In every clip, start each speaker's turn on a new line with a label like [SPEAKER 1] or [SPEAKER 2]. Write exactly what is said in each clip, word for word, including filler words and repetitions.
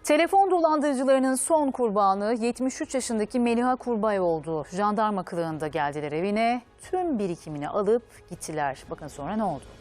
[SPEAKER 1] Telefon dolandırıcılarının son kurbanı yetmiş üç yaşındaki Meliha Kurbay oldu. Jandarma kılığında geldiler evine, tüm birikimini alıp gittiler. Bakın sonra ne oldu?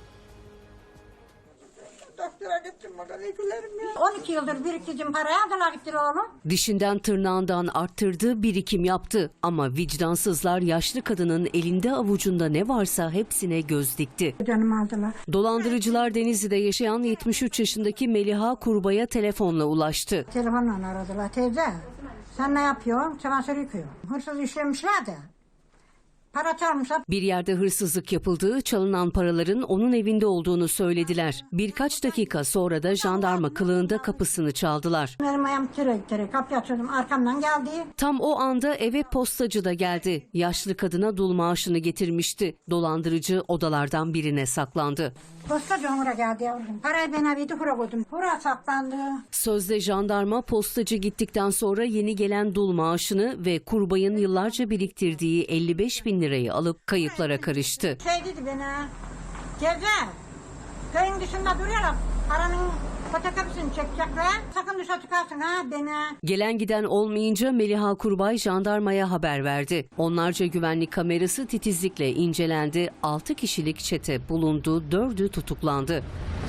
[SPEAKER 2] Doktora gittim bakalım ya. on iki yıldır biriktirdim parayı aldılar gittiler oğlum.
[SPEAKER 3] Dişinden tırnağından arttırdığı birikim yaptı. Ama vicdansızlar yaşlı kadının elinde avucunda ne varsa hepsine göz dikti.
[SPEAKER 2] Canımı aldılar.
[SPEAKER 3] Dolandırıcılar Denizli'de yaşayan yetmiş üç yaşındaki Meliha Kurbay'a telefonla ulaştı.
[SPEAKER 2] Telefonla aradılar. Teyze sen ne yapıyorsun? Çamaşır yıkıyorum. Hırsız işlemişler de. Para çalmışlar.
[SPEAKER 3] Bir yerde hırsızlık yapıldığı, çalınan paraların onun evinde olduğunu söylediler. Birkaç dakika sonra da jandarma kılığında kapısını çaldılar.
[SPEAKER 2] Benim ayağım tere tere kapıyı açıyordum. Arkamdan geldi.
[SPEAKER 3] Tam o anda eve postacı da geldi. Yaşlı kadına dul maaşını getirmişti. Dolandırıcı odalardan birine saklandı.
[SPEAKER 2] Postacı Umur'a geldi yavrum. Parayı ben evde hura koydum. Hura saklandı.
[SPEAKER 3] Sözde jandarma postacı gittikten sonra yeni gelen dul maaşını ve Kurbay'ın yıllarca biriktirdiği elli beş bin lirayı alıp kayıplara karıştı.
[SPEAKER 2] Şey dedi bana. Teyze köyün dışında duruyorlar. Paranın fotokopisini çekecekler. Sakın dışarı çıkarsın ha bana.
[SPEAKER 3] Gelen giden olmayınca Meliha Kurbay jandarmaya haber verdi. Onlarca güvenlik kamerası titizlikle incelendi. altı kişilik çete bulundu, dördü tutuklandı.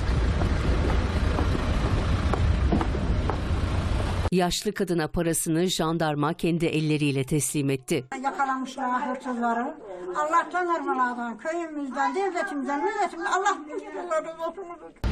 [SPEAKER 3] Yaşlı kadına parasını jandarma kendi elleriyle teslim etti.
[SPEAKER 2] Yakalamışlar hırsızları. Allah tanırmalardan, köyümüzden, devletimizden, milletimizden Allah